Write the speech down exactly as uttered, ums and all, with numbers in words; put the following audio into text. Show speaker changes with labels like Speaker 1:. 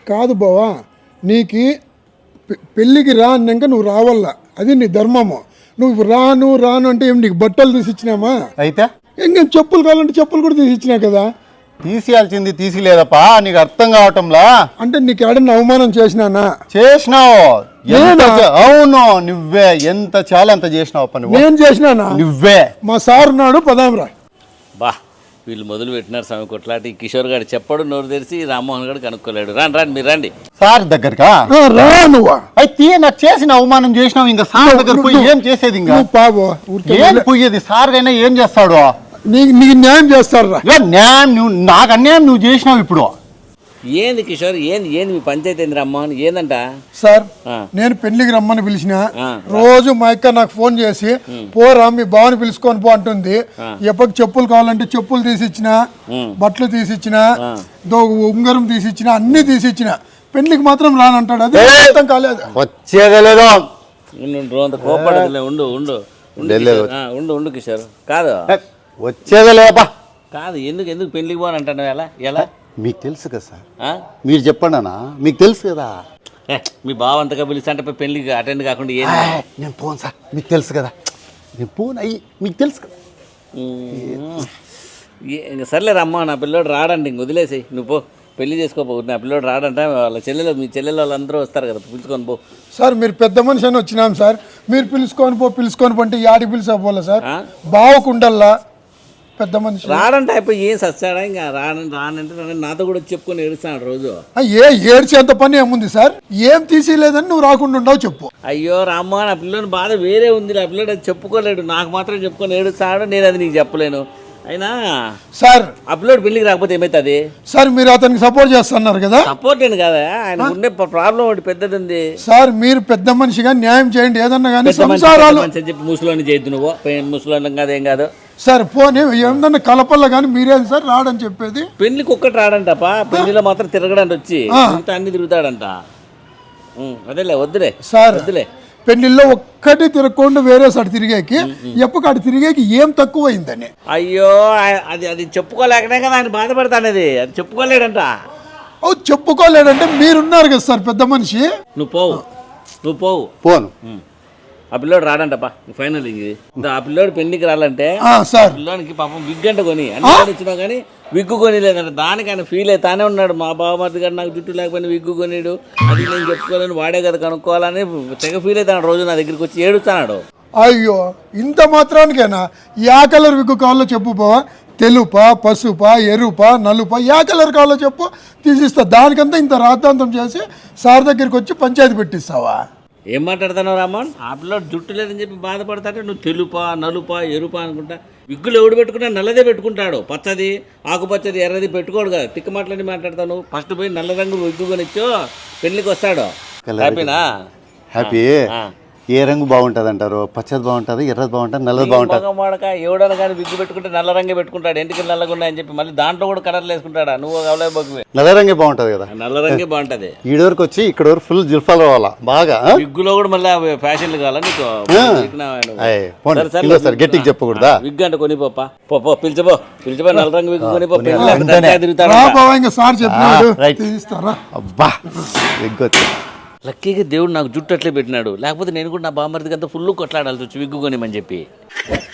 Speaker 1: కాదు బావా, నీకు పెళ్ళికి రా అన్నాక నువ్వు రావాలా, అది నీ ధర్మము. నువ్వు రాను రాను అంటే ఏం నీకు బట్టలు తీసిచ్చినామా?
Speaker 2: అయితే
Speaker 1: ఇంకేం చెప్పులు కావాలంటే చెప్పులు కూడా తీసిచ్చినా కదా.
Speaker 2: తీసియాల్సింది తీసిలేదప్పా, నీకు అర్థం కావటంలా.
Speaker 1: అంటే నీకు ఏడన్నా అవమానం చేసినానా?
Speaker 2: చేసినావు. అవును, నువ్వే ఎంత చాలా ఎంత చేసినావు.
Speaker 1: నేను చేసినానా?
Speaker 2: నువ్వే.
Speaker 1: మా సార్ ఉన్నాడు, పదాంరా.
Speaker 3: బా వీళ్ళు మొదలు పెట్టినారు స్వామి కొట్లాటి. కిషోర్ గారు చెప్పడు, నోరు తెరిచి రామ్మోహన్ గారు కనుక్కోలేడు. రాండి రాండి మీరు రండి.
Speaker 2: సార్ దగ్గరకా
Speaker 1: రా నువ్వు.
Speaker 2: అయితే నాకు చేసిన అవమానం చేసినావు, ఇంకా సార్ దగ్గర పోయి ఏం చేసేది? ఇంకా
Speaker 1: పావు
Speaker 2: ఏం పోయేది? సార్ అయినా ఏం చేస్తాడు?
Speaker 1: నీకు నీకు న్యాయం చేస్తారా?
Speaker 2: న్యాయం నువ్వు నాకు అన్యాయం నువ్వు చేసినావు. ఇప్పుడు
Speaker 3: ఏంది కిషోర్, ఏంది ఏంది మీ పంచాయతీ ఏంది రామ్మోహన్? ఏందంట
Speaker 1: సార్, నేను పెళ్లికి రమ్మని పిలిచిన రోజు మా అక్క నాకు ఫోన్ చేసి పోరా మీ బావని పిలుచుకొని పో అంటుంది. ఎప్పటికి చెప్పులు కావాలంటే చెప్పులు తీసిచ్చిన, బట్టలు తీసిచ్చిన, ఉంగరం తీసిచ్చిన, అన్ని తీసిచ్చిన. పెళ్లికి మాత్రం రానంటాడు. అది అర్థం కాలేదు.
Speaker 2: వచ్చేదలేదు.
Speaker 3: కోపడదులే, ఉండు ఉండు ఉండు ఉండు కిషోర్. కాదు
Speaker 2: వచ్చేదలేపా.
Speaker 3: కాదు ఎందుకు ఎందుకు పెళ్లికి పోనంటాను? ఎలా ఎలా
Speaker 2: మీకు తెలుసు కదా సార్, మీరు చెప్పండి అన్న. మీకు తెలుసు కదా,
Speaker 3: మీ బావ అంతగా పిలిస్తే అంటే పెళ్లికి అటెండ్ కాకుండా ఏం?
Speaker 2: నేను పోను సార్, మీకు తెలుసు కదా. నేను పోను అయ్యి, మీకు తెలుసు కదా.
Speaker 3: ఇంకా సర్లే రమ్మ, నా పిల్లోడు రాడండి, ఇంక వదిలేసి నువ్వు పో, పెళ్లి చేసుకోపో. నా పిల్లోడు రాడంట, వాళ్ళ చెల్లెలు మీ చెల్లెలు వాళ్ళందరూ వస్తారు కదా, పిలుచుకొని పో.
Speaker 1: సార్ మీరు పెద్ద మనిషి అని వచ్చినాం సార్, మీరు పిలుచుకొని పో పిలుచుకొని పోంటే యాడికి పిలిచిపోలే సార్. బావకుండల్లా పెద్ద మనిషి
Speaker 3: రాడంటే అయిపోయి ఏం సచ్చాడా? ఇంకా రాను రానంటే నాతో కూడా చెప్పుకొని ఏడుస్తాడు రోజు.
Speaker 1: ఏ ఏడ్చేంత పని ఏముంది సార్? ఏం తీసేయలేదని నువ్వు రాకుండా ఉండవు చెప్పు.
Speaker 3: అయ్యో రామ్మ, నా పిల్లని బాధ వేరే ఉంది. నా పిల్లడు అది చెప్పుకోలేడు, నాకు మాత్రం చెప్పుకొని ఏడుస్తాడు. నేను అది నీకు చెప్పలేను. అయినా
Speaker 1: సార్
Speaker 3: ఆ పిల్లోడు పెళ్లికి రాకపోతే ఏమవుతుంది?
Speaker 1: సార్ మీరు అతనికి సపోర్ట్ చేస్తున్నారు కదా.
Speaker 3: సపోర్ట్ ఏంటి కదా, ఆయన ఉండే ప్రాబ్లం ఒకటి పెద్దది ఉంది
Speaker 1: సార్. మీరు పెద్ద మనిషిగా న్యాయం చేయండి ఏదన్నా కానీ. సంసారాలు
Speaker 3: చెప్పి ముసలోని చేయొద్దు నువ్వు, ముసలోని కాదు ఏం కాదు
Speaker 1: సార్. పోనీ ఏమన్నా కలపల్ల కానీ మీరేం సార్ రాడని చెప్పేది?
Speaker 3: పెళ్లికి ఒక్కటి రాడంటపా, పెళ్లిలో మాత్రం తిరగడానికి వచ్చి మిగతా అన్ని తిరుగుతాడంట. అదేలే వద్దులే సార్, వద్దులే.
Speaker 1: పెళ్లిలో ఒక్కటి తిరగకుండా వేరే సార్ తిరిగేకి ఎప్పుడు అటు తిరిగేకి ఏం తక్కువ అయిందని.
Speaker 3: అయ్యో అది అది చెప్పుకోలేకనే కదా ఆయన బాధపడతానేది. అది చెప్పుకోలేడంట.
Speaker 1: ఓ చెప్పుకోలేడంటే మీరున్నారు కదా సార్ పెద్ద మనిషి.
Speaker 3: నువ్వు పోవు, నువ్వు పోవు.
Speaker 2: పోను.
Speaker 3: ఆ పిల్లోడు రాడంటప్పా ఫైనల్. ఇది ఆ పిల్లోడు పెళ్లికి రాలంటే పిల్లోనికి పాపం విగ్ అంటే కొని అన్ని ఇచ్చినా కానీ విగ్గు కొని లేదంట. దానికి ఆయన ఫీల్ అవుతానే ఉన్నాడు. మా బావమర్ది గారు నాకు జుట్టు లేకపోయినా విగ్గు కొనిడు, అది నేను చెప్పుకోవాలని వాడే కదా కనుక్కోవాలని తెగ ఫీల్ అవుతాడు. రోజు నా దగ్గరికి వచ్చి ఏడుస్తాడు.
Speaker 1: అయ్యో ఇంత మాత్రానికేనా? యా కలర్ విగ్గు కావాలో చెప్పు పోవా. తెలుప, పసుప, ఎరుప, నలుప, యా కలర్ కావాలో చెప్పు తీసిస్తా. దానికంతా ఇంత రాద్ధాంతం చేసి సార్ దగ్గరికి వచ్చి పంచాయతీ పెట్టిస్తావా?
Speaker 3: ఏం మాట్లాడతావు రామన్? ఆ పిల్లోడు జుట్టు లేదని చెప్పి బాధపడతాంటే నువ్వు తెలుప, నలుప, ఎరుప అనుకుంటా. విగ్గులు ఎవడు పెట్టుకున్నా నల్లదే పెట్టుకుంటాడు. పచ్చది, ఆకుపచ్చది, ఎర్రది పెట్టుకోడు కదా. తిక్క మాటలని మాట్లాడతావు నువ్వు. ఫస్ట్ పోయి నల్ల రంగు విగ్గు కొనిచ్చో పెళ్లికి వస్తాడు. హ్యాపీనా?
Speaker 2: హ్యాపీ. ఏ రంగు బాగుంటుంది అంటారు? పచ్చది బాగుంటుంది, ఎర్రది బాగుంటుంది, నల్లది బాగుంటుంది.
Speaker 3: మాడక ఎవడన్నా కానీ విగ్గు పెట్టుకుంటే నల్ల రంగే పెట్టుకుంటాడు. ఎంటికి నల్లగా ఉన్నాయని చెప్పి మళ్ళీ దాంట్లో కూడా కలర్లు వేసుకుంటాడా? నువ్వు అవలేబోకువే.
Speaker 2: నల్ల రంగే బాగుంటుంది కదా.
Speaker 3: నల్ల రంగే బాగుంటుంది.
Speaker 2: ఈడ వరకు వచ్చి ఇక్కడ వరకు ఫుల్ జిల్ఫాలు కావాలా బాగా.
Speaker 3: విగ్గులో కూడా మళ్ళీ ఫ్యాషన్లు కావాలా నీకు?
Speaker 2: గట్టికి చెప్పకూడదా?
Speaker 3: విగ్గు అంటే కొనిపోపా, పో పిలిచిపో పిలిచిపో నల్ల రంగు విగ్గు కొనిపో.
Speaker 2: అబ్బా విగ్గు వచ్చి
Speaker 3: లక్కీగా దేవుడు నాకు జుట్టు అట్లే పెట్టినాడు. లేకపోతే నేను కూడా నా బామ్మర్దికి అంతా ఫుల్ కొట్లాడాల్సి వచ్చి విగ్గు కొనిమని చెప్పి.